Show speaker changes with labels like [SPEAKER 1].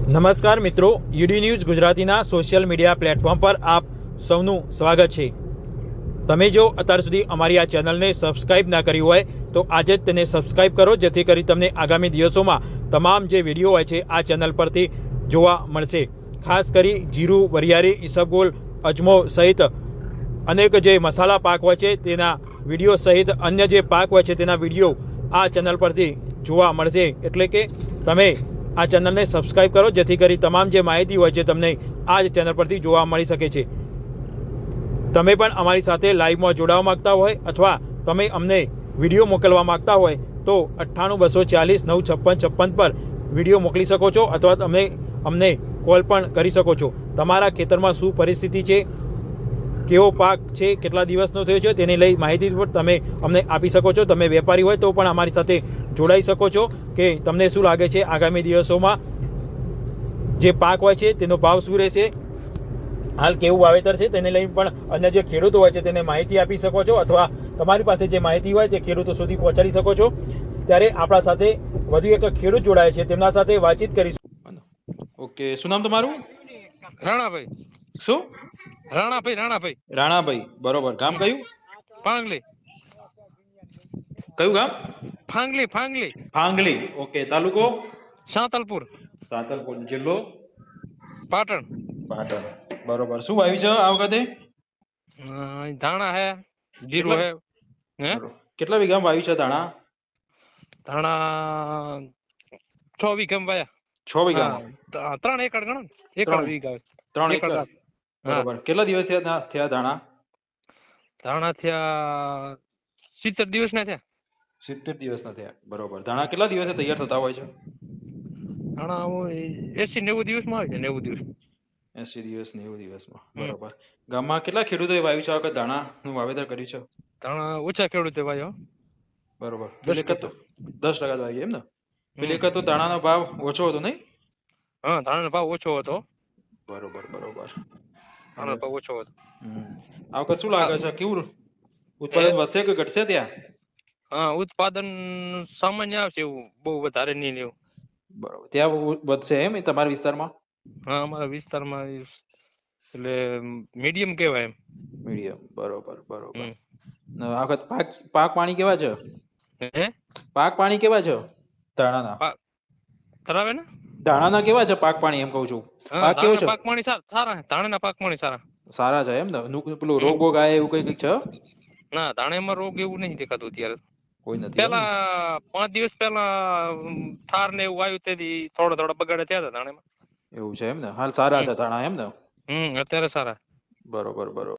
[SPEAKER 1] નમસ્કાર મિત્રો, UD news ગુજરાતીના સોશિયલ મીડિયા પ્લેટફોર્મ પર આપ સૌનું સ્વાગત છે। તમે જો અત્યાર સુધી અમારી આ ચેનલને સબસ્ક્રાઇબ ના કરી હોય તો આજે જ તેને સબસ્ક્રાઇબ કરો, જેથી કરી તમને આગામી દિવસોમાં તમામ જે વિડીયો હોય છે આ ચેનલ પરથી જોવા મળશે। ખાસ કરી જીરું, વરિયાળી, ઈસબગોલ, અજમો સહિત અનેક જે મસાલા પાક હોય છે તેના વિડીયો સહિત અન્ય જે પાક હોય છે તેના વિડીયો આ ચેનલ પરથી જોવા મળશે। એટલે કે તમે આ ચેનલને સબસ્ક્રાઇબ કરો, જેથી કરી તમામ જે માહિતી હોય છે તમને આ જ ચેનલ પરથી જોવા મળી શકે છે। તમે પણ અમારી સાથે લાઈવમાં જોડાવા માંગતા હોય અથવા તમે અમને વિડીયો મોકલવા માંગતા હોય તો 9824495656 પર વિડીયો મોકલી શકો છો અથવા તમે અમને કોલ પણ કરી શકો છો। તમારા ખેતરમાં શું પરિસ્થિતિ છે, કેવો પાક છે, કેટલા દિવસનો થયો છે તેને લઈ માહિતી પણ તમે અમને આપી શકો છો। તમે વેપારી હોય તો પણ અમારી સાથે જોડાઈ શકો છો કે તમને શું લાગે છે આગામી દિવસોમાં જે પાક હોય છે તેનો ભાવ શું રહેશે, હાલ કેવું વાવેતર છે તેને લઈ પણ અન્ય જે ખેડૂતો હોય છે તેને માહિતી આપી શકો છો અથવા તમારી પાસે જે માહિતી હોય તે ખેડૂતો સુધી પહોંચાડી શકો છો। ત્યારે આપણા સાથે વધુ એક ખેડૂત જોડાય છે, તેમના સાથે વાતચીત કરીશું। ઓકે, શું નામ તમારું?
[SPEAKER 2] રાણાભાઈ
[SPEAKER 1] શું?
[SPEAKER 2] રાણાભાઈ
[SPEAKER 1] રાણાભાઈ, બરોબર। ગામ કયું?
[SPEAKER 2] ફાંગલી
[SPEAKER 1] કયું ગામ?
[SPEAKER 2] ફાંગલી
[SPEAKER 1] ફાંગલી। ઓકે, તાલુકો?
[SPEAKER 2] સાંતલપુર
[SPEAKER 1] સાંતલપુર, જિલ્લો?
[SPEAKER 2] પાટણ।
[SPEAKER 1] પાટણ, બરોબર। શું વાવ્યું છે આ વખતે?
[SPEAKER 2] ધાણા હે, જીરું હે। હે
[SPEAKER 1] કેટલા વીઘામાં વાવ્યું છે ધાણા?
[SPEAKER 2] ધાણા 6 વીઘા વાયા।
[SPEAKER 1] 6 વીઘામાં?
[SPEAKER 2] 3 એકર ગણો ને, એકર વીઘા
[SPEAKER 1] 3 એકર, બરોબર। કેટલા દિવસ થયા ધાણા?
[SPEAKER 2] ધાણા થયા 70 દિવસના થયા।
[SPEAKER 1] 70 દિવસના થયા, બરોબર। ધાણા કેટલા દિવસે તૈયાર થતા હોય છે?
[SPEAKER 2] ધાણા 80-90 દિવસમાં આવે છે। 90 દિવસ,
[SPEAKER 1] 80 દિવસ, 90 દિવસમાં, બરોબર। ગામમાં કેટલા ખેડૂતોએ વાવ્યું છે આ વખત ધાણાનું વાવેતર કર્યું છે?
[SPEAKER 2] ધાણા ઓછા ખેડૂતે વાયો,
[SPEAKER 1] બરોબર।
[SPEAKER 2] 10%
[SPEAKER 1] 10% જ વાવી એમ ને? પેલી વખત તો ધાણાનો ભાવ ઓછો હતો નહીં?
[SPEAKER 2] હા, ધાણાનો ભાવ ઓછો હતો।
[SPEAKER 1] બરોબર, બરોબર।
[SPEAKER 2] ધાણાનો ભાવ ઓછો હતો।
[SPEAKER 1] આ વખત શું લાગે છે, કેવું ઉત્પાદન વધશે કે ઘટશે ત્યાં?
[SPEAKER 2] હા, ઉત્પાદન સામાન્ય આવશે, એવું બહુ વધારે નહીં ને એવું।
[SPEAKER 1] બરોબર, ત્યાં વધશે એમ તમારા વિસ્તારમાં?
[SPEAKER 2] હા, અમારા વિસ્તારમાં એટલે મીડિયમ કહેવાય એમ।
[SPEAKER 1] મીડિયમ, બરોબર, બરોબર। આ વખત પાક પાણી કેવા છે?
[SPEAKER 2] હે
[SPEAKER 1] પાક પાણી કેવા છે ધાણાના?
[SPEAKER 2] ધરાવે ને
[SPEAKER 1] ધાણાના કેવા છે પાક પાણી, એમ કહું છું? પાક કેવો છે?
[SPEAKER 2] પાક પાણી સારા, ધાણાના પાક પાણી સારા
[SPEAKER 1] સારા છે એમ ને? પેલું રોગ બોગ આવે એવું કઈ છે?
[SPEAKER 2] ના, ધાણામાં રોગ એવું નહીં દેખાતું અત્યારે।
[SPEAKER 1] કોઈ નથી એમ?
[SPEAKER 2] પેલા 5 દિવસ પહેલા થાર ને એવું આવ્યું તેથી થોડા બગાડે થયા હતા ધાણામાં।
[SPEAKER 1] એવું છે એમ ને? હાલ સારા છે ધાણા એમ ને?
[SPEAKER 2] અત્યારે સારા।
[SPEAKER 1] બરોબર, બરોબર।